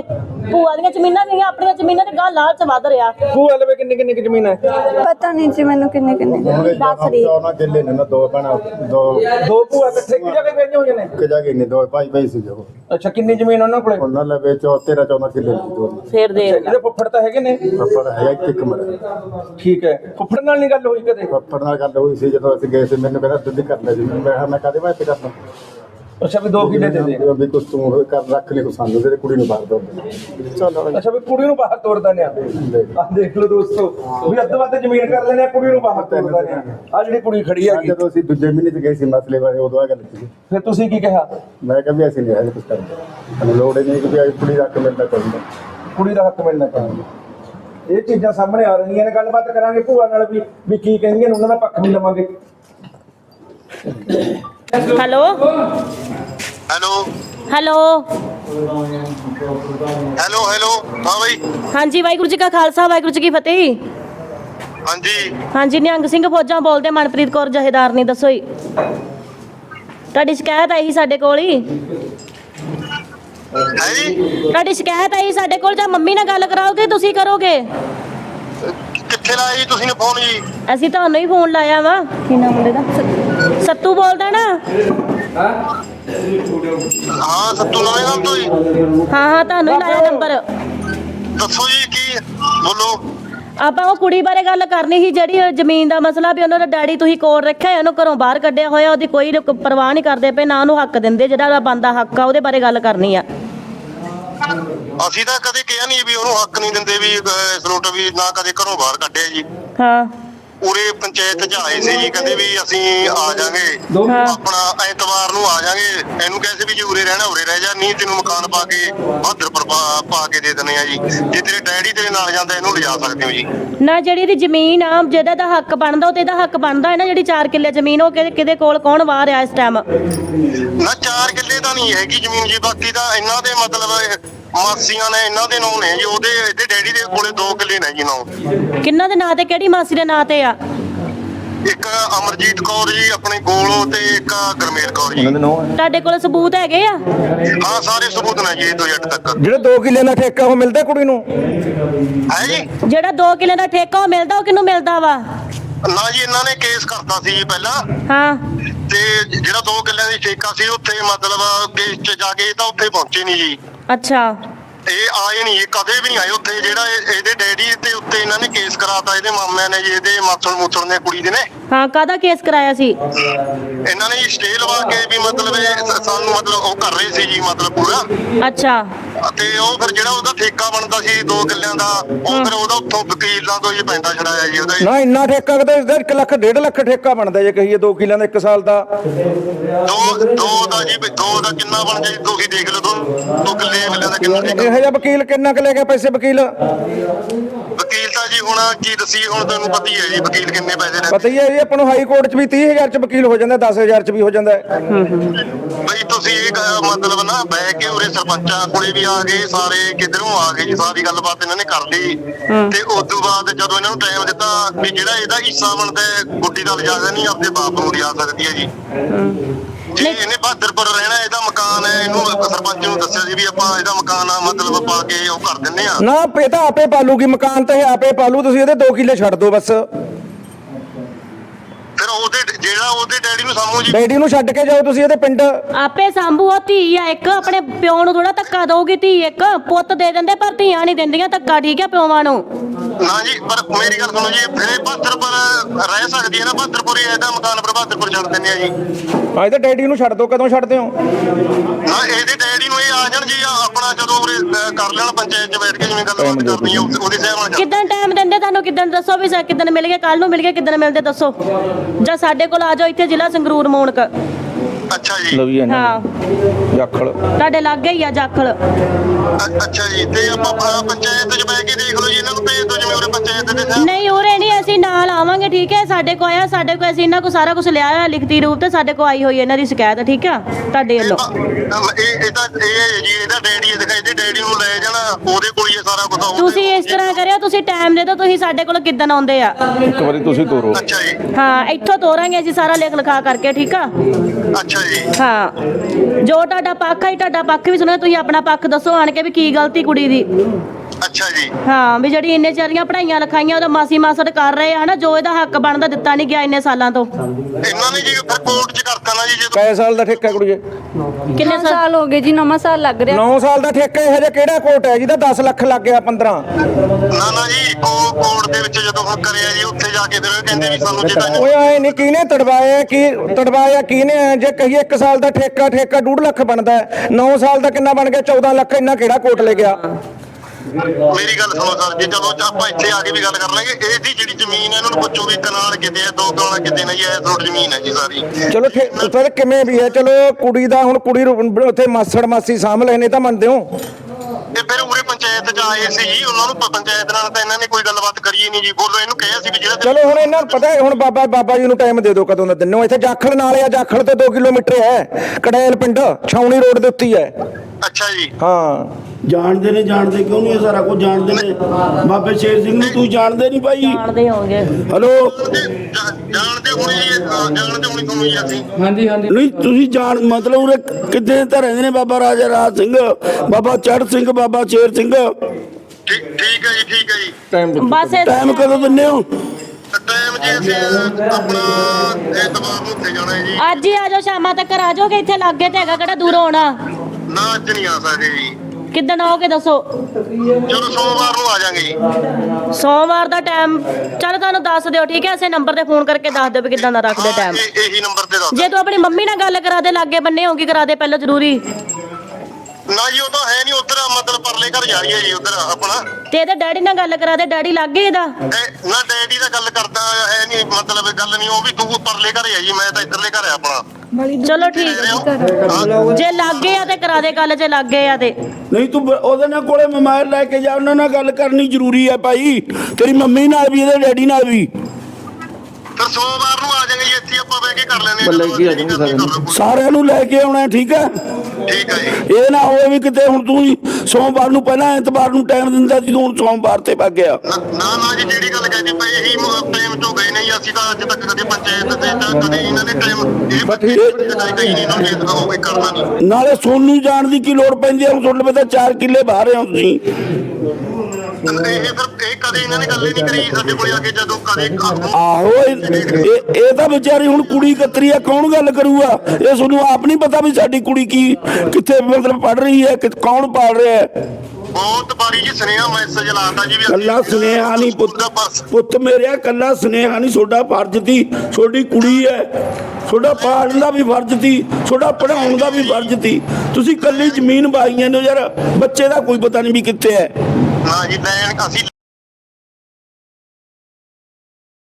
A: ਭੂਆ ਦੀਆਂ ਜ਼ਮੀਨਾਂ ਵੀ ਆਪਣੀਆਂ ਜ਼ਮੀਨਾਂ ਤੇ ਗੱਲ ਲਾਲਚ ਵੱਧ ਰਿਹਾ।
C: ਭੂਆ ਲਵੇ ਕਿੰਨੀ ਕਿੰਨੀ ਕੁ ਜ਼ਮੀਨ ਹੈ?
B: ਪਤਾ ਨਹੀਂ ਜੀ ਮੈਨੂੰ ਕਿੰਨੇ
A: ਦੱਸ ਰਹੀ।
E: ਉਹਨਾਂ ਕਿੱਲੇ ਨੇ ਨਾ ਦੋ ਭੈਣਾਂ ਦੋ
C: ਦੋ ਭੂਆ ਇਕੱਠੇ ਕਿ ਜਗ੍ਹਾ ਗਈਆਂ ਹੋਈਆਂ ਨੇ?
E: ਇੱਕ ਜਗ੍ਹਾ ਨੇ ਦੋ ਭਾਈ ਸੀ ਜੋ
C: ਅੱਛਾ, ਕਿੰਨੀ ਜ਼ਮੀਨ ਉਹਨਾਂ ਕੋਲੇ?
E: ਉਹਨਾਂ ਲਵੇ 13 14 ਕਿੱਲੇ ਨੇ ਦੋ
A: ਫੇਰ ਦੇ
C: ਇਹਦੇ ਫੁੱਫੜ ਤਾਂ ਹੈਗੇ ਨੇ?
E: ਫੱਫੜ ਹੈ ਇੱਕ ਮਰ।
C: ਠੀਕ ਹੈ, ਫੁੱਫੜ ਨਾਲ ਨਹੀਂ ਗੱਲ ਹੋਈ ਕਦੇ?
E: ਫੱਫੜ ਨਾਲ ਗੱਲ ਹੋਈ ਸੀ ਜਦੋਂ ਅਸੀਂ ਗਏ ਸੀ, ਮੈਨੂੰ ਕਹਿੰਦਾ ਤੁਸੀਂ ਕਰ ਲੈ ਜੀ। ਮੈਂ ਕਹਦੇ ਵਾਸਤੇ ਕਰਦਾ
C: ਅੱਛਾ, ਵੀ 2 ਕਿੱਲੇ ਦੇ ਦੇ।
E: ਵੀ ਕੁਛ ਤੂੰ ਕਰ ਰੱਖ ਲੈ, ਕੁਛ ਸਾਨੂੰ ਦੇ ਕੁੜੀ ਨੂੰ ਬਾਹਰ ਦੋ। ਚਲੋ
C: ਅੱਛਾ, ਵੀ ਕੁੜੀ ਨੂੰ ਬਾਹਰ ਤੋਰਦਾ ਨੇ। ਆ ਦੇਖ ਲਓ ਦੋਸਤੋ, ਵੀ ਅੱਧ ਵੱਧ ਜ਼ਮੀਨ ਕਰ ਲੈਣੇ, ਕੁੜੀ ਨੂੰ ਬਾਹਰ ਤੋਰਦਾ ਨੇ। ਆ ਜਿਹੜੀ ਕੁੜੀ ਖੜੀ ਹੈਗੀ,
E: ਜਦੋਂ ਅਸੀਂ ਦੂਜੇ ਮਹੀਨੇ ਚ ਗਏ ਸੀ ਮਸਲੇ ਬਾਰੇ, ਉਦੋਂ ਆ ਗੱਲ ਸੀ।
C: ਫਿਰ ਤੁਸੀਂ ਕੀ ਕਿਹਾ?
E: ਮੈਂ ਕਿਹਾ ਵੀ ਅਸੀਂ ਨਹੀਂ ਹੈ ਕੁਛ ਕਰਦੇ, ਸਾਨੂੰ ਲੋੜ ਹੀ ਨਹੀਂ ਕਿ ਵੀ ਕੁੜੀ ਦਾ ਹੱਕ ਮਿਲਦਾ ਚਾਹੀਦਾ।
C: ਕੁੜੀ ਦਾ ਹੱਕ ਮਿਲਣਾ ਚਾਹੀਦਾ। ਇਹ ਚੀਜ਼ਾਂ ਸਾਹਮਣੇ ਆ ਰਹੀਆਂ ਨੇ, ਗੱਲਬਾਤ ਕਰਾਂਗੇ ਭੂਆ ਨਾਲ ਵੀ ਕੀ ਕਹਿੰਦੀਆਂ ਨੇ, ਉਹਨਾਂ ਦਾ ਪੱਖ ਵੀ ਲਵਾਂਗੇ।
A: Hello
D: hello
A: hello
D: hello hello, ਹਾਂ ਬਈ।
A: ਹਾਂਜੀ, ਵਾਹਿਗੁਰੂ ਜੀ ਕਾ ਖਾਲਸਾ ਵਾਹਿਗੁਰੂ ਜੀ ਕੀ ਫਤਿਹ।
D: ਹਾਂਜੀ
A: ਹਾਂਜੀ, ਨਿਹੰਗ ਸਿੰਘ ਫੌਜਾਂ ਬੋਲਦੇ, ਮਨਪ੍ਰੀਤ ਕੌਰ ਜਹੇਦਾਰ ਨੇ। ਦੱਸੋ ਜੀ, ਤੁਹਾਡੀ ਸ਼ਿਕਾਇਤ ਆਈ ਸੀ ਸਾਡੇ ਕੋਲ ਹੀ।
D: ਹੈ ਜੀ,
A: ਤੁਹਾਡੀ ਸ਼ਿਕਾਇਤ ਆਈ ਸਾਡੇ ਕੋਲ, ਜਾਂ ਮੰਮੀ ਨਾਲ ਗੱਲ ਕਰਾਓਗੇ ਤੁਸੀਂ ਕਰੋਗੇ?
D: ਕਿੱਥੇ ਲਾਇਆ ਜੀ ਤੁਸੀਂ ਨੇ ਫੋਨ ਜੀ?
A: ਅਸੀਂ ਤੁਹਾਨੂੰ ਹੀ ਫੋਨ ਲਾਇਆ ਵਾ। ਕੀ ਨਾਮ ਮੁੰਡੇ ਦਾ? ਸੱਤੂ ਬੋਲਦਾ ਨਾ?
D: ਹਾਂ, ਸੱਤੂ ਨਵੇਂ ਨਾਮ ਤੋਂ ਜੀ।
A: ਹਾਂ, ਤੁਹਾਨੂੰ ਹੀ ਲਾਇਆ ਨੰਬਰ।
D: ਦੱਸੋ ਜੀ, ਕੀ ਬੋਲੋ।
A: ਆਪਾਂ ਉਹ ਕੁੜੀ ਬਾਰੇ ਗੱਲ ਕਰਨੀ ਸੀ, ਜਿਹੜੀ ਜ਼ਮੀਨ ਦਾ ਮਸਲਾ, ਵੀ ਉਹਨਾਂ ਦਾ ਡੈਡੀ ਤੁਸੀਂ ਕੋਲ ਰੱਖਿਆ, ਉਹਨੂੰ ਘਰੋਂ ਬਾਹਰ ਕੱਢਿਆ ਹੋਇਆ, ਉਹਦੀ ਕੋਈ ਪਰਵਾਹ ਨਹੀਂ ਕਰਦੇ ਪਏ, ਨਾ ਉਹਨੂੰ ਹੱਕ ਦਿੰਦੇ, ਜਿਹੜਾ ਉਹਦਾ ਬਣਦਾ ਹੱਕ ਆ, ਉਹਦੇ ਬਾਰੇ ਗੱਲ ਕਰਨੀ ਆ।
D: ਅਸੀਂ ਤਾਂ ਕਦੇ ਕਿਹਾ ਨਹੀਂ ਵੀ ਉਹਨੂੰ ਹੱਕ ਨਹੀਂ ਦਿੰਦੇ, ਵੀ ਇਸ ਰੋਟ ਵੀ ਨਾ ਕਦੇ ਘਰੋਂ ਬਾਹਰ ਕੱਢਿਆ ਜੀ।
A: ਹਾਂ
D: ਉਰੇ ਪੰਚਾਇਤ ਚ ਆਏ ਸੀ ਜੀ, ਕਹਿੰਦੇ ਵੀ ਅਸੀਂ ਆ ਜਾਾਂਗੇ
A: ਹਾਂ।
D: ਆਪਣਾ ਐਤਵਾਰ ਨੂੰ ਆ ਜਾਾਂਗੇ। ਇਹਨੂੰ ਕਹਿੰਦੇ ਵੀ ਜੇ ਉਰੇ ਰਹਿਣਾ ਉਰੇ ਰਹਿ ਜਾ, ਨਹੀਂ ਤੈਨੂੰ ਮਕਾਨ ਪਾ ਕੇ ਬਹਾਦਰਪੁਰ ਪਾ ਕੇ ਦੇ ਦਿੰਦੇ ਆ ਜੀ। ਜੇ ਤੇਰੇ ਡੈਡੀ ਤੇਰੇ ਨਾਲ ਜਾਂਦਾ, ਇਹਨੂੰ ਲਿਜਾ ਸਕਦੇ ਹੋ ਜੀ।
A: ਨਾ, ਜਿਹੜੀ ਇਹਦੀ ਜ਼ਮੀਨ ਆ, ਜਿਹਦਾ ਦਾ ਹੱਕ ਬਣਦਾ, ਉਹ ਤੇ ਇਹਦਾ ਹੱਕ ਬਣਦਾ ਹੈ ਨਾ। ਜਿਹੜੀ 4 ਕਿੱਲੇ ਜ਼ਮੀਨ, ਉਹ ਕਿਹਦੇ ਕੋਲ ਕੌਣ ਵਾਹ ਰਿਹਾ ਇਸ ਟਾਈਮ?
D: ਨਾ 4 ਕਿੱਲੇ ਤਾਂ ਨਹੀਂ ਹੈਗੀ ਜ਼ਮੀਨ ਜੀ, ਬਾਕੀ ਤਾਂ ਇਹਨਾਂ ਦੇ ਮਤਲਬ ਮਾਸੀਆਂ ਨੇ, ਇਹਨਾਂ ਦੇ ਨਾਂ ਨੇ ਜੀ। ਇਹਦੇ ਡੈਡੀ ਦੇ ਕੋਲੇ 2 ਕਿੱਲੇ ਨੇ ਜੀ ਨਾਂ।
A: ਕਿੰਨਾਂ ਦੇ ਨਾਂ ਤੇ? ਕਿਹੜੀ ਮਾਸੀ ਦੇ ਨਾਂ ਤੇ ਆ?
D: ਇੱਕ ਅਮਰਜੀਤ ਕੌਰ ਜੀ ਆਪਣੇ ਕੋਲੋਂ, ਤੇ ਇੱਕ ਗਰਮੇਲ ਕੌਰ ਜੀ।
A: ਤੁਹਾਡੇ ਕੋਲ ਸਬੂਤ ਹੈਗੇ ਆ?
D: ਹਾਂ, ਸਾਰੇ ਸਬੂਤ ਨੇ ਜੀ, A ਤੋਂ Z ਤੱਕ।
C: ਜਿਹੜੇ 2 ਕਿੱਲੇ ਦਾ ਠੇਕਾ ਉਹ ਮਿਲਦਾ ਕੁੜੀ ਨੂੰ?
D: ਹੈ ਜੀ,
A: ਜਿਹੜਾ 2 ਕਿੱਲੇ ਦਾ ਠੇਕਾ ਉਹ ਮਿਲਦਾ, ਉਹ ਕਿਹਨੂੰ ਮਿਲਦਾ ਵਾ?
D: ਨਾ ਜੀ, ਇਹਨਾਂ ਨੇ ਕੇਸ ਕਰਤਾ ਸੀ ਜੀ ਪਹਿਲਾਂ,
A: ਹਾਂ,
D: ਤੇ ਜਿਹੜਾ 2 ਕਿੱਲਿਆਂ ਦੀ ਠੇਕਾ ਸੀ, ਉੱਥੇ ਮਤਲਬ ਕੇਸ 'ਚ ਜਾ ਕੇ ਤਾਂ ਉੱਥੇ ਪਹੁੰਚੇ ਨਹੀਂ ਜੀ।
A: ਅੱਛਾ।
D: ਇਹ ਆਏ ਨਹੀਂ, ਕਦੇ ਵੀ ਨਹੀਂ ਆਏ ਉੱਥੇ। ਜਿਹੜਾ ਇਹਦੇ ਡੈਡੀ ਤੇ ਉੱਤੇ ਇਹਨਾਂ ਨੇ ਕੇਸ ਕਰਾਤਾ, ਇਹਦੇ ਮਾਮਿਆਂ ਨੇ ਜੀ, ਇਹਦੇ ਮਾਸੜ ਨੇ, ਕੁੜੀ ਦੇ ਨੇ।
A: ਹਾਂ, ਕਾਹਦਾ ਕੇਸ ਕਰਾਇਆ ਸੀ?
D: ਇਹਨਾਂ ਨੇ ਸਟੇ ਲਵਾ ਕੇ ਵੀ ਮਤਲਬ ਸਾਨੂੰ ਮਤਲਬ ਉਹ ਕਰ ਰਹੇ ਸੀ ਜੀ, ਮਤਲਬ ਪੂਰਾ।
A: ਅੱਛਾ।
D: ਤੇ ਉਹ ਫਿਰ ਜਿਹੜਾ ਉਹਦਾ ਠੇਕਾ ਬਣਦਾ ਸੀ 2 ਕਿੱਲਿਆਂ ਦਾ, ਉਹ ਫਿਰ ਉਹਦਾ ਉੱਥੋਂ ਵਕੀਲਾਂ ਤੋਂ ਹੀ ਪੈਂਦਾ ਛੜਾਇਆ ਜੀ ਉਹਦਾ।
C: ਨਾ, ਇੰਨਾ ਠੇਕਾ ਕਿਤੇ 1 ਲੱਖ 1.5 ਲੱਖ ਠੇਕਾ ਬਣਦਾ ਜੇ ਕਹੀਏ 2 ਕਿੱਲਿਆਂ ਦਾ 1 ਸਾਲ ਦਾ।
D: ਦੋ ਦਾ ਜੀ, 2 ਦਾ ਕਿੰਨਾ ਬਣ ਜਾਏ ਤੁਸੀਂ ਦੇਖ ਲਓ। 2 ਕਿੱਲਿਆਂ ਦਾ ਕਿੰਨਾ ਠੇਕਾ?
C: ਇਹੋ ਜਿਹਾ ਵਕੀਲ ਕਿੰਨਾ ਕੁ ਲੈ ਗਿਆ ਪੈਸੇ? ਵਕੀਲ
D: ਤਾਂ ਜੀ ਹੁਣ ਕੀ ਦੱਸੀਏ, ਹੁਣ ਤੁਹਾਨੂੰ ਪਤਾ ਹੀ ਹੈ ਜੀ ਵਕੀਲ ਕਿੰਨੇ ਪੈਸੇ ਨੇ।
C: ਪਤਾ ਹੀ ਹੈ ਜੀ, ਆਪਾਂ ਨੂੰ ਹਾਈ ਕੋਰਟ 'ਚ ਵੀ 30,000 'ਚ ਵਕੀਲ ਹੋ ਜਾਂਦਾ, 10,000 'ਚ ਵੀ ਹੋ ਜਾਂਦਾ।
D: ਬਈ ਤੁਸੀਂ ਇਹ ਮਤਲਬ ਨਾ ਬਹਿ ਕੇ ਉਰੇ ਸਰਪੰਚਾਂ ਕੋਲੇ ਵੀ ਆ ਗਏ, ਸਾਰੇ ਕਿਧਰੋਂ ਆ ਗਏ ਜੀ, ਸਾਰੀ ਗੱਲਬਾਤ ਇਹਨਾਂ ਨੇ ਕਰ ਲਈ। ਤੇ ਉਸ ਤੋਂ ਬਾਅਦ ਜਦੋਂ ਇਹਨਾਂ ਨੂੰ ਟਾਈਮ ਦਿੱਤਾ ਵੀ ਜਿਹੜਾ ਇਹਦਾ ਹਿੱਸਾ ਬਣਦਾ, ਗੁੱਡੀ ਦਾ ਲਿਜਾ ਨਹੀਂ, ਆਪਣੇ ਬਾਪ ਨੂੰ ਲਿਜਾ ਸਕਦੀ ਹੈ ਜੀ। ਜੀ ਇਹਨੇ ਬਹਾਦਰਪੁਰ ਰਹਿਣਾ, ਇਹਦਾ ਮਕਾਨ ਹੈ, ਇਹਨੂੰ ਸਰਪੰਚ ਨੂੰ ਦੱਸਿਆ ਸੀ ਵੀ ਆਪਾਂ ਇਹਦਾ ਮਕਾਨ ਆ ਮਤਲਬ ਪਾ ਕੇ ਉਹ ਕਰ ਦਿੰਦੇ ਆ।
C: ਨਾ, ਇਹ ਤਾਂ ਆਪੇ ਪਾਲੂਗੀ ਮਕਾਨ, ਤੇ ਇਹ ਆਪੇ ਪਾਲੂ। ਤੁਸੀਂ ਇਹਦੇ 2 ਕਿੱਲੇ ਛੱਡ ਦਿਓ ਬਸ।
D: ਫਿਰ ਉਹਦੇ ਡੈਡੀ ਨੂੰ ਸਾਹਮਣੇ ਜੀ,
C: ਡੈਡੀ ਨੂੰ ਛੱਡ ਕੇ ਜਾਓ ਤੁਸੀਂ ਇਹਦੇ ਪਿੰਡ।
A: ਆਪੇ ਸਾਂਭੂ, ਉਹ ਧੀ ਆ ਇੱਕ, ਆਪਣੇ ਪਿਓ ਨੂੰ ਥੋੜਾ ਧੱਕਾ ਦਊਗੀ ਧੀ ਇੱਕ। ਪੁੱਤ ਦੇ ਦਿੰਦੇ ਪਰ ਧੀਆਂ ਨਹੀਂ ਦਿੰਦੀਆਂ ਧੱਕਾ, ਠੀਕ ਹੈ, ਪਿਓਾਂ ਨੂੰ।
D: ਨਾ ਜੀ, ਪਰ ਮੇਰੀ ਗੱਲ ਸੁਣੋ ਜੀ, ਫਿਰ ਬਹਾਦਰਪੁਰ ਰਹਿ ਸਕਦੀ ਹੈ ਨਾ, ਬਹਾਦਰਪੁਰ ਹੀ ਇਹਦਾ ਮਕਾਨ ਪਰ ਬਹਾਦਰਪੁਰ ਛੱਡ ਦਿੰਦੇ ਆ ਜੀ।
C: ਇਹਦੇ ਡੈਡੀ ਨੂੰ ਛੱਡ ਦਿਓ। ਕਦੋਂ ਛੱਡਦੇ ਹੋ?
D: ਨਾ, ਇਹਦੇ ਡੈਡੀ ਨੂੰ ਇਹ ਆ ਜਾਣ ਜੀ, ਆਪਣਾ ਜਦੋਂ ਉਰੇ ਕਰ ਲੈਣ ਪੰਚਾਇਤ 'ਚ ਬੈਠ ਕੇ, ਜਿਵੇਂ ਗੱਲਬਾਤ ਕਰਨੀ ਆ ਉਹਦੇ ਹਿਸਾਬ ਨਾਲ।
A: ਕਿੱਦਣ ਟਾਈਮ ਦਿੰਦੇ ਤੁਹਾਨੂੰ? ਕਿੱਦਣ ਦੱਸੋ ਵੀ ਕਿੱਦਣ ਮਿਲ ਗਏ? ਕੱਲ ਨੂੰ ਮਿਲ ਗਏ? ਕਿੱਦਣ ਮਿਲਦੇ ਦੱਸੋ? ਜਾਂ ਸਾਡੇ ਕੋਲ ਆ ਜਾਓ ਇੱਥੇ, ਜ਼ਿਲ੍ਹਾ ਸੰਗਰੂਰ ਮੋਣਕ।
D: ਅੱਛਾ ਜੀ,
C: ਲਵੀ
A: ਹਾਂ,
C: ਜਾਖਲ
A: ਤੁਹਾਡੇ ਲਾਗੇ ਹੀ ਆ ਜਾਖਲ।
D: ਅੱਛਾ ਜੀ। ਤੇ ਆਪਾਂ ਪੰਚਾਇਤ 'ਚ ਬਹਿ ਕੇ ਦੇਖ ਲਓ ਜੀ, ਇਹਨਾਂ ਨੂੰ ਭੇਜ ਦਿਓ ਜਿਵੇਂ ਉਰੇ ਪੰਚਾਇਤ ਦੇ।
A: ਨਹੀਂ, ਉਰੇ ਨਹੀਂ, ਅਸੀਂ ਨਾਲ ਦਵਾਂਗੇ, ਠੀਕ ਹੈ। ਸਾਡੇ ਕੋ ਆਇਆ, ਸਾਡੇ ਕੋ ਅਸੀਂ ਇਹਨਾਂ ਕੋ ਸਾਰਾ ਕੁਝ ਲਿਆ ਹੋਇਆ ਲਿਖਤੀ ਰੂਪ ਤੇ, ਸਾਡੇ ਕੋ ਆਈ ਹੋਈ ਇਹਨਾਂ ਦੀ ਸ਼ਿਕਾਇਤ, ਠੀਕ ਆ ਤੁਹਾਡੇ ਵੱਲੋਂ।
D: ਇਹਦਾ ਡੈਡੀ ਦਿਖਾਈ ਦੇ, ਡੈਡੀ ਨੂੰ ਲੈ ਜਾਣਾ, ਉਹਦੇ ਕੋਲ ਹੀ ਸਾਰਾ ਕੁਝ।
A: ਤੁਸੀਂ ਇਸ ਤਰ੍ਹਾਂ ਕਰਿਓ, ਤੁਸੀਂ ਟਾਈਮ ਦੇ ਦਿਓ, ਤੁਸੀਂ ਸਾਡੇ ਕੋਲ ਕਿੱਦਣ ਆਉਂਦੇ ਆ?
C: ਇੱਕ ਵਾਰੀ ਤੁਸੀਂ ਤੋਰੋ।
D: ਅੱਛਾ ਜੀ,
A: ਹਾਂ, ਇੱਥੋਂ ਤੋਰਾਂਗੇ ਅਸੀਂ ਸਾਰਾ ਲਿਖ ਲਿਖਾ ਕਰਕੇ, ਠੀਕ ਆ।
D: ਅੱਛਾ ਜੀ,
A: ਹਾਂ, ਜੋ ਤੁਹਾਡਾ ਪੱਖ ਹੈ ਤੁਹਾਡਾ ਪੱਖ ਵੀ ਸੁਣੋ, ਤੁਸੀਂ ਆਪਣਾ ਪੱਖ ਦੱਸੋ ਆਣ ਕੇ ਵੀ ਕੀ ਗਲਤੀ ਕੁੜੀ ਦੀ।
D: ਅੱਛਾ ਜੀ,
A: ਹਾਂ, ਵੀ ਜਿਹੜੀ ਇੰਨੇ ਚਾਰੀਆਂ ਪੜ੍ਹਾਈਆਂ ਲਿਖਾਈਆਂ ਉਹਦਾ ਮਾਸੀ ਮਾਸੜ ਕਰ ਰਹੇ ਆ ਨਾ, ਜੋ ਇਹਦਾ ਹੱਕ ਬਣਦਾ ਦਿੱਤਾ ਨਹੀਂ ਗਿਆ ਇੰਨੇ ਸਾਲਾਂ ਤੋਂ।
D: ਇਹਨਾਂ ਨੇ ਜੀ ਫਿਰ ਕੋਰਟ 'ਚ ਕਰਤਾ ਨਾ ਜੀ। ਜਦੋਂ
C: ਕੈ ਸਾਲ ਦਾ ਠੇਕਾ ਕੁੜੀਏ?
A: ਕਿੰਨੇ
B: 9 ਸਾਲ ਹੋ ਗਏ ਜੀ, 9ਵਾਂ ਸਾਲ ਲੱਗ ਰਿਹਾ।
C: 9 ਸਾਲ ਦਾ ਠੇਕਾ। ਇਹ ਜਿਹਾ ਕਿਹੜਾ ਕੋਰਟ ਹੈ ਜਿਹਦਾ 10 ਲੱਖ ਲੱਗ ਗਿਆ? 15
D: ਨਾ ਜੀ, ਕੋਰਟ ਦੇ ਵਿੱਚ ਜਦੋਂ ਹੁਣ ਕਰਿਆ ਜੀ, ਉੱਥੇ ਜਾ ਕੇ ਫਿਰ ਕਹਿੰਦੇ ਵੀ ਸਾਨੂੰ ਜਿੱਦਾਂ
C: ਓਏ ਆਏ ਨਹੀਂ, ਕਿਹਨੇ ਤੜਵਾਇਆ ਕਿਹਨੇ? ਜੇ ਕਹੀਏ 1 ਸਾਲ ਦਾ ਠੇਕਾ 2.5 ਲੱਖ ਬਣਦਾ, 9 ਸਾਲ ਦਾ ਕਿੰਨਾ ਬਣ ਗਿਆ? 14 ਲੱਖ। ਇੰਨਾ ਕਿਹੜਾ ਕੋਰਟ ਲੈ ਗਿਆ?
D: ਮੇਰੀ ਗੱਲ ਸੁਣੋ ਸਰ ਜੀ, ਚਲੋ ਆਪਾਂ ਇੱਥੇ ਆ ਕੇ ਵੀ ਗੱਲ ਕਰ ਲਾਂਗੇ। ਇਹਦੀ ਜਿਹੜੀ ਜ਼ਮੀਨ ਹੈ ਇਹਨਾਂ ਨੂੰ ਪੁੱਛੋ ਵੀ ਕਨਾਲ ਕਿਤੇ ਹੈ, 2 ਕਨਾਲ ਕਿਤੇ ਨਹੀਂ, ਇਹ ਥੋੜੀ ਜ਼ਮੀਨ ਹੈ ਜੀ ਸਾਰੀ।
C: ਚਲੋ ਉੱਥੇ ਕਿਵੇਂ ਵੀ ਹੈ, ਚਲੋ ਕੁੜੀ ਦਾ ਹੁਣ ਕੁੜੀ ਉੱਥੇ ਮਾਸੜ ਮਾਸੀ ਸਾਂਭ ਲੈਣੇ ਤਾਂ ਮੰਨਦੇ ਹੋ?
D: ਤੇ ਫਿਰ ਉਰੇ ਪੰਚਾਇਤ 'ਚ ਆਏ ਸੀ ਜੀ, ਉਹਨਾਂ ਨੂੰ ਪੰਚਾਇਤ ਨਾਲ ਤਾਂ ਇਹਨਾਂ ਨੇ ਕੋਈ ਗੱਲਬਾਤ ਕਰੀ ਨਹੀਂ ਜੀ। ਬੋਲੋ, ਇਹਨੂੰ ਕਿਹਾ ਸੀ ਵੀ ਜਿਹੜਾ
C: ਚਲੋ ਹੁਣ ਇਹਨਾਂ ਨੂੰ ਪਤਾ ਹੈ, ਹੁਣ ਬਾਬਾ ਜੀ ਨੂੰ ਟਾਈਮ ਦੇ ਦਿਓ, ਕਦੋਂ ਦਾ ਦਿੰਦੇ ਹੋ? ਇੱਥੇ ਜਾਖਲ ਨਾਲ ਆ, ਜਾਖਲ ਤੇ 2 ਕਿਲੋਮੀਟਰ ਹੈ, ਕੜੈਲ ਪਿੰਡ ਛਾਉਣੀ ਰੋਡ ਦੇ ਉੱਤੇ ਹੈ।
D: ਅੱਛਾ ਜੀ,
C: ਹਾਂ,
F: ਜਾਣਦੇ ਨੇ, ਜਾਣਦੇ ਕਿਉਂ ਨਹੀਂ? ਇਹ ਸਾਰਾ ਕੁਝ ਜਾਣਦੇ ਨੇ। ਬਾਬੇ ਸ਼ੇਰ ਸਿੰਘ ਨੂੰ ਤੂੰ ਜਾਣਦੇ ਨਹੀਂ ਭਾਈ?
A: ਜਾਣਦੇ ਹੋਗੇ।
F: ਹਲੋ,
D: ਜਾਣਦੇ ਹੋਣੀ ਤੁਹਾਨੂੰ ਜੀ ਅਸੀਂ।
F: ਨਹੀਂ ਤੁਸੀਂ ਮਤਲਬ ਉਰੇ ਕਿੱਥੇ ਤਾਂ ਰਹਿੰਦੇ ਨੇ? ਬਾਬਾ ਰਾਜਾ ਰਾਜ ਸਿੰਘ, ਬਾਬਾ ਚੜ੍ਹ ਸਿੰਘ, ਬਾਬਾ ਸ਼ੇਰ ਸਿੰਘ।
D: ਠੀਕ ਹੈ ਜੀ, ਠੀਕ ਹੈ ਜੀ।
A: ਬਸ ਇਹ-
F: ਟਾਈਮ ਕਦੋਂ ਦਿੰਦੇ ਹੋ?
D: ਟਾਈਮ ਜੀ ਅਸੀਂ ਆਪਣਾ ਐਤਵਾਰ ਨੂੰ ਉੱਥੇ ਜਾਣਾ ਹੈ ਜੀ।
A: ਅੱਜ ਹੀ ਆ ਜਾਓ, ਸ਼ਾਮਾਂ ਤੱਕ ਆ ਜਾਓਗੇ, ਇੱਥੇ ਲੱਗੇ ਤੇ ਹੈਗਾ, ਕਿਹੜਾ ਦੂਰੋਂ ਆਉਣਾ।
D: ਨਾ ਅੱਜ ਨਹੀਂ ਆ ਸਕਦੇ ਜੀ,
A: ਕਿੱਦਣ ਆਓਗੇ ਦੱਸੋ?
D: ਚਲੋ ਸੋਮਵਾਰ ਨੂੰ ਆ ਜਾਾਂਗੇ ਜੀ।
A: ਸੋਮਵਾਰ ਦਾ ਟਾਈਮ ਚਲ ਤੁਹਾਨੂੰ ਦੱਸ ਦਿਓ, ਠੀਕ ਹੈ। ਇਸੇ ਨੰਬਰ ਤੇ ਫੋਨ ਕਰਕੇ ਦੱਸ ਦਿਓ ਵੀ ਕਿੱਦਾਂ ਦਾ ਰੱਖਦੇ ਟਾਈਮ।
D: ਇਹੀ ਨੰਬਰ ਤੇ ਦੱਸ।
A: ਜੇ ਤੂੰ ਆਪਣੀ ਮੰਮੀ ਨਾਲ ਗੱਲ ਕਰਾ ਦੇ, ਲਾਗੇ ਬੰਨੇ ਹੋਗੀ ਕਰਾ ਦੇ ਪਹਿਲਾਂ ਜ਼ਰੂਰੀ।
D: ਨਾ ਜੀ, ਉਹ ਤਾਂ ਹੈ ਨਹੀਂ, ਉਧਰ ਮਤਲਬ ਪਰਲੇ ਘਰ ਜਾ ਰਹੀ ਹੈ ਜੀ, ਉਧਰ ਆਪਣਾ।
A: ਤੇ ਇਹਦੇ ਡੈਡੀ ਨਾਲ ਗੱਲ ਕਰਾ ਦੇ, ਡੈਡੀ ਲੱਗੇ ਇਹਦਾ।
D: ਨਾ ਡੈਡੀ ਦਾ ਗੱਲ ਕਰਦਾ ਹੈ ਨਹੀਂ, ਮਤਲਬ ਗੱਲ ਨਹੀਂ, ਉਹ ਵੀ ਤੂੰ ਪਰਲੇ ਘਰ ਹੈ ਜੀ, ਮੈਂ ਤਾਂ ਇੱਧਰਲੇ ਘਰ ਹੈ ਆਪਣਾ।
A: ਚਲੋ ਠੀਕ ਹੈ, ਜੇ ਲੱਗੇ ਆ ਤੇ ਕਰਾ ਦੇ ਗੱਲ, ਜੇ ਲੱਗੇ ਆ ਤੇ।
F: ਨਹੀਂ ਤੂੰ ਉਹਦੇ ਨਾਲ ਕੋਲੇ ਮੋਬਾਈਲ ਲੈ ਕੇ ਜਾ, ਉਹਨਾਂ ਨਾਲ ਗੱਲ ਕਰਨੀ ਜ਼ਰੂਰੀ ਹੈ ਭਾਈ, ਤੇਰੀ ਮੰਮੀ ਨਾਲ ਵੀ, ਇਹਦੇ ਡੈਡੀ ਨਾਲ ਵੀ।
D: ਫਿਰ ਸੋਮਵਾਰ ਨੂੰ ਆ ਜਾਾਂਗੇ ਜੀ, ਇੱਥੇ ਆਪਾਂ ਬਹਿ ਕੇ ਕਰ ਲੈਂਦੇ
F: ਸਾਰਿਆਂ ਨੂੰ ਲੈ ਕੇ ਆਉਣਾ, ਠੀਕ ਹੈ?
D: ਠੀਕ ਹੈ ਜੀ।
F: ਇਹ ਨਾ ਹੋਵੇ ਵੀ ਕਿਤੇ ਹੁਣ ਤੂੰ ਸੋਮਵਾਰ ਨੂੰ ਪਹਿਲਾਂ ਐਤਵਾਰ ਨੂੰ ਟਾਈਮ ਦਿੰਦਾ ਸੀ, ਤੂੰ ਹੁਣ ਸੋਮਵਾਰ ਤੇ ਵਗ ਗਿਆ।
D: ਨਾ ਜੀ, ਜਿਹੜੀ ਗੱਲ ਕਹਿੰਦੀ ਪਈ ਇਹੀ ਟਾਈਮ ਤੋਂ ਗਏ ਨਹੀਂ ਅਸੀਂ ਤਾਂ, ਅੱਜ ਤੱਕ ਕਦੇ ਪੰਚਾਇਤ ਤੇ ਜਾਂ ਕਦੇ ਇਹਨਾਂ ਨੇ ਟਾਈਮ ਕਹੀ ਨਹੀਂ ਨਾ ਹੋਵੇ ਕਰਨਾ ਨਹੀਂ।
F: ਨਾਲੇ ਸੋਨੂੰ ਜਾਣ ਦੀ ਕੀ ਲੋੜ ਪੈਂਦੀ ਹੈ? ਹੁਣ ਤੁਹਾਡੇ ਪਤਾ 4 ਕਿੱਲੇ ਬਾਹਰ ਹੋ ਤੁਸੀਂ।
D: ਇਹ ਕਦੇ ਇਹਨਾਂ ਨੇ ਗੱਲ ਹੀ ਨਹੀਂ ਕਰੀ ਸਾਡੇ ਕੋਲ ਆ ਕੇ, ਜਦੋਂ ਕਦੇ
F: ਆਹੋ, ਇਹ ਤਾਂ ਵਿਚਾਰੀ ਹੁਣ ਕੁੜੀ ਕਤਰੀ ਆ, ਕੌਣ ਗੱਲ ਕਰੂਗਾ? ਇਹ ਤੁਹਾਨੂੰ ਆਪ ਨਹੀਂ ਪਤਾ ਵੀ ਸਾਡੀ ਕੁੜੀ ਕੀ ਕਿੱਥੇ ਮਤਲਬ ਪੜ ਰਹੀ ਹੈ, ਕੌਣ ਪਾਲ ਰਿਹਾ ਹੈ?
D: ਬਹੁਤ ਵਾਰੀ ਜੀ ਸੁਨੇਹਾ ਮੈਸੇਜ ਲਾਉਂਦਾ ਜੀ ਵੀ
F: ਕੱਲਾ ਸੁਨੇਹਾ ਨਹੀਂ ਪੁੱਤ ਮੇਰਿਆ, ਕੱਲਾ ਸੁਨੇਹਾ ਨਹੀਂ, ਤੁਹਾਡਾ ਫਰਜ਼ ਸੀ, ਤੁਹਾਡੀ ਕੁੜੀ ਹੈ, ਤੁਹਾਡਾ ਪਾਲਣ ਦਾ ਵੀ ਫਰਜ਼ ਸੀ, ਤੁਹਾਡਾ ਪੜਾਉਣ ਦਾ ਵੀ ਫਰਜ਼ ਸੀ। ਤੁਸੀਂ ਕੱਲੀ ਜ਼ਮੀਨ ਬਾਈਆਂ ਨੇ ਯਾਰ, ਬੱਚੇ ਦਾ ਕੋਈ ਪਤਾ ਨਹੀਂ ਵੀ ਕਿੱਥੇ ਹੈ।
D: ਨਾ ਜੀ, ਅਸੀਂ